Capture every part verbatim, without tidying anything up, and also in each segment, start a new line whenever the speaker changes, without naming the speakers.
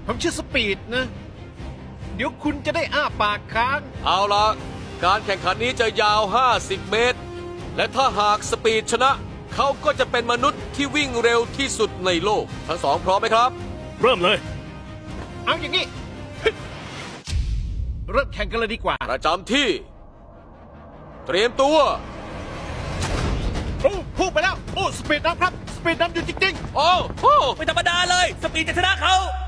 ผมชื่อสปีดนะ เดี๋ยวคุณจะได้อ้าปากค้าง
เอาละการแข่งขันนี้จะยาว ห้าสิบ เมตร และถ้าหากสปีดชนะ เขาก็จะเป็นมนุษย์ที่วิ่งเร็วที่สุดในโลก ทั้งสองพร้อมไหมครับ
เริ่มเลย
เอาอย่างนี้ เริ่มแข่งกันเลยดีกว่า
ประจำที่ เตรียมตัว
โอ้พูดไปแล้ว โอ้สปีดนำครับ สปีดนำอยู่จริง
โอ้โห
ไม่ธรรมดาเลย สปีดจะชนะเขา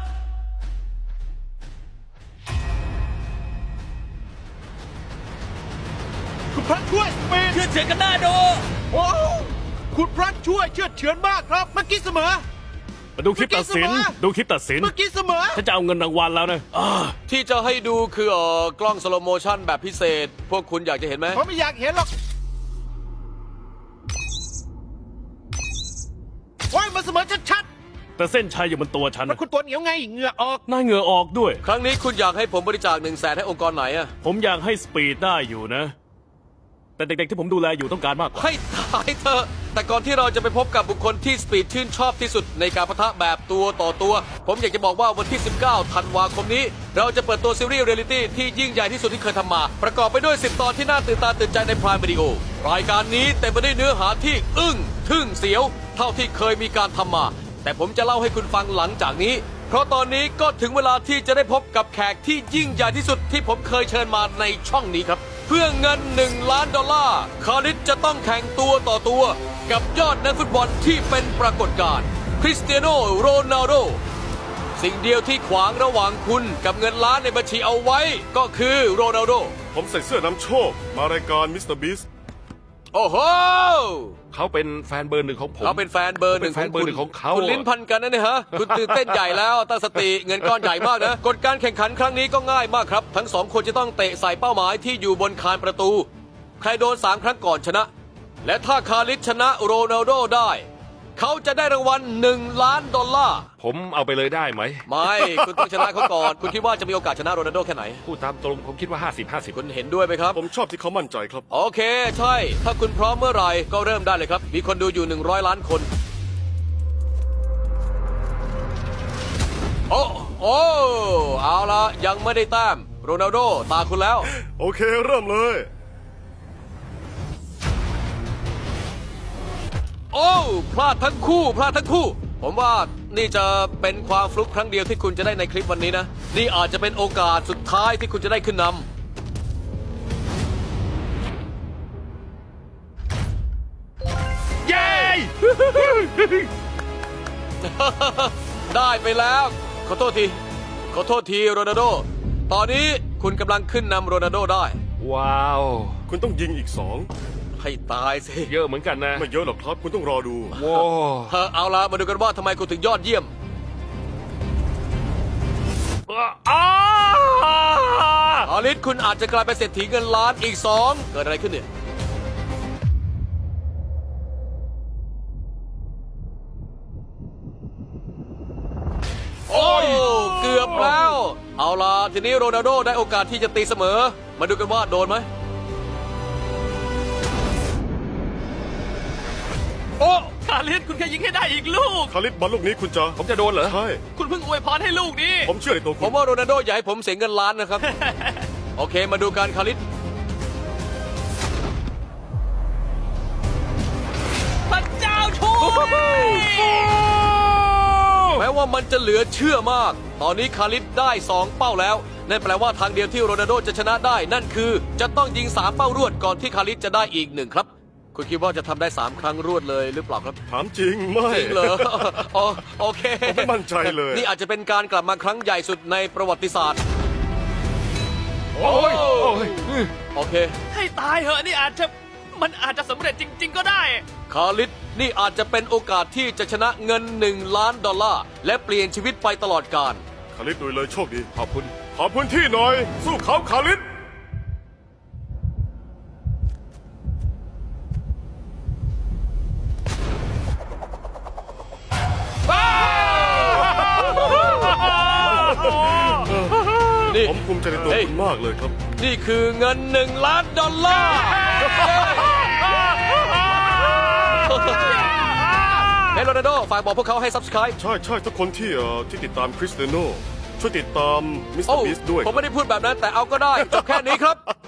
ๆ คุณพระช่วยสปีด
เชื่อเฉือนกันหน้าดู
โอ้คุณพระช่วยเชื่อเฉือนมากครับ เมื่อกี้เสมอ
มาดูคลิปตัดสิน
เมื่อกี้เสมอ
ดูคลิปตัดสิน
เมื่อกี้เสมอ
ฉันจะเอาเงินรางวัลแล้วนะอ่า
ที่จะให้ดูคือเอ่อกล้องสโลโมชั่นแบบพิเศษ พวกคุณอยากจะเห็นไหม
ผมไม่อยากเห็นหรอกโอ้ยมันเสมอชัด
แต่เส้นชัยอยู่บนตัวฉัน
ๆมันคุณตัวเหนียวไงเหงื่อออก
หน้าเหงื่อออกด้วย
ครั้งนี้คุณอยากให้ผมบริจาคหนึ่งแสนให้องค์กรไหนอะ
ผมอยากให้สปีดได้อยู่นะ แต่เด็กๆที่ผมดูแลอยู่ต้องการมากกว่า
ให้ตายเถอะ แต่ก่อนที่เราจะไปพบกับบุคคลที่สปีดชื่นชอบที่สุดในการปะทะแบบตัวต่อตัว ผมอยากจะบอกว่าวันที่ สิบเก้า ธันวาคมนี้ เราจะเปิดตัวซีรีส์เรียลลิตี้ที่ยิ่งใหญ่ที่สุดที่เคยทำมา ประกอบไปด้วย สิบ ตอนที่น่าตื่นตาตื่นใจในพรายวิดีโอ รายการนี้เต็มไปด้วยเนื้อหาที่อึ้งทึ่งเสียว เท่าที่เคยมีการทำมา แต่ผมจะเล่าให้คุณฟังหลังจากนี้ เพราะตอนนี้ก็ถึงเวลาที่จะได้พบกับแขกที่ยิ่งใหญ่ที่สุดที่ผมเคยเชิญมาในช่องนี้ครับ เพื่อเงินหนึ่งล้านดอลลาร์คาริสจะต้องแข่งตัวต่อตัว กับยอดนักฟุตบอลที่เป็นปรากฏการณ์คริสเตียโนโรนัลโดสิ่งเดียวที่ขวางระหว่างคุณกับเงินล้านในบัญชีเอาไว้ ก็คือโรนัลโด
ผมใส่เสื้อนำโชค มารายการมิสเตอร์บีส
โอ้โห
เขาเป็นแฟนเบอร์หนึ่งของผม
เขาเป็นแฟนเบอร์หนึ่ง
ผมเป็นแฟนเบอร์หนึ่งของเขา
คุณลิ้นพันกันนะเนี่ยฮะ คุณตื่นเต้นใหญ่แล้วตั้งสติเงินก้อนใหญ่มากนะ กฎการแข่งขันครั้งนี้ก็ง่ายมากครับ ทั้งสองคนจะต้องเตะใส่เป้าหมายที่อยู่บนคานประตู ใครโดนสามครั้งก่อนชนะ และถ้าคาริสชนะโรนัลโดได้ เขาจะได้รางวัลหนึ่งล้านดอลลาร์
ผมเอาไปเลยได้ไหม
ไม่ คุณต้องชนะเขาก่อน คุณคิดว่าจะมีโอกาสชนะโรนัลโดแค่ไหน
พูดตามตรงผมคิดว่า ห้าสิบ ห้าสิบ
คุณเห็นด้วยไหมครับ
ผมชอบที่เขามั่นใจครับ
โอเค ใช่ ถ้าคุณพร้อมเมื่อไหร่ก็เริ่มได้เลยครับ มีคนดูอยู่หนึ่งร้อยล้านคน โอ้ โอ้ เอาละยังไม่ได้แต้มโรนัลโดตาคุณแล้ว
โอเคเริ่มเลย
โอ้พลาดทั้งคู่พลาดทั้งคู่ ผมว่านี่จะเป็นความฟลุกครั้งเดียวที่คุณจะได้ในคลิปวันนี้นะ นี่อาจจะเป็นโอกาสสุดท้ายที่คุณจะได้ขึ้นนำ
เย้
ได้ไปแล้ว ขอโทษที ขอโทษทีโรนัลโด ตอนนี้คุณกำลังขึ้นนำโรนัลโดได้
ว้าว
คุณต้องยิงอีกสอง
ให้ตายสิ
เยอะเหมือนกันนะ
ไม่เยอะหรอกครับ คุณต้องรอดู
ว้าว
เออเอาละมาดูกันว่าทำไมคุณถึงยอดเยี่ยม
อ้า
อาลิสคุณอาจจะกลายเป็นเศรษฐีเงินล้านอีกสองเกิดอะไรขึ้นเนี่ย โอ้เกือบแล้ว เอาล่ะทีนี้โรนัลโดได้โอกาสที่จะตีเสมอ มาดูกันว่าโดนไหมโอ้
คาริสคุณแค่ยิงให้ได้อีกลูก
คาริสบอลลูกนี้คุณจะ
ผมจะโดนเหรอ
ใช่
คุณเพิ่งอวยพรให้ลูกนี้
ผมเชื่อในตัว
ผ
คุ
ม
ณ
ว่าโรนัลโดอยากให้ผมเสียเงินล้านนะครับ โอเคมาดูการคาริส
พระเจ้าช่วย
แม้ว่ามันจะเหลือเชื่อมาก ตอนนี้คาริสได้สองเป้าแล้ว นั่นแปลว่าทางเดียวที่โรนัลโดจะชนะได้ นั่นคือจะต้องยิงสามเป้ารวดก่อนที่คาริสจะได้อีกหนึ่งครับ คุณคิดว่าจะทำได้สามครั้งรวดเลยหรือเปล่าครับ
ถามจริงไม่
จริงเหรอ อ๋อโอเค
ผมไม่มั่นใจเลย
นี่อาจจะเป็นการกลับมาครั้งใหญ่สุดในประวัติศาสตร์
โอ้ยโอ้ย
โอเค
ให้ตายเหอะนี่อาจจะมันอาจจะสำเร็จจริง ๆ ก็ได้
คาริสนี่อาจจะเป็นโอกาสที่จะชนะเงินหนึ่งล้านดอลลาร์และเปลี่ยนชีวิตไปตลอดกาล
คาริสดูเลยโชคดี
ขอบคุณ
ขอพื้นที่หน่อย สู้เขาคาริส
นี่
ผมภูมิใจในตัว
เฮ้ย
คุณมากเลยครับ
นี่คือเงินหนึ่งล้านดอลลาร์ เฮ้ยโรนัลโดฝากบอกพวกเขาให้ ซับสไครบ์
ใช่ใช่ทุกคนที่เอ่อที่ติดตามคริสเตียโนช่วยติดตามมิสเตอ
โอ้
ร์บีสด้วย
ผมไม่ได้พูดแบบนั้นแต่เอาก็ได้จบแค่นี้ครับ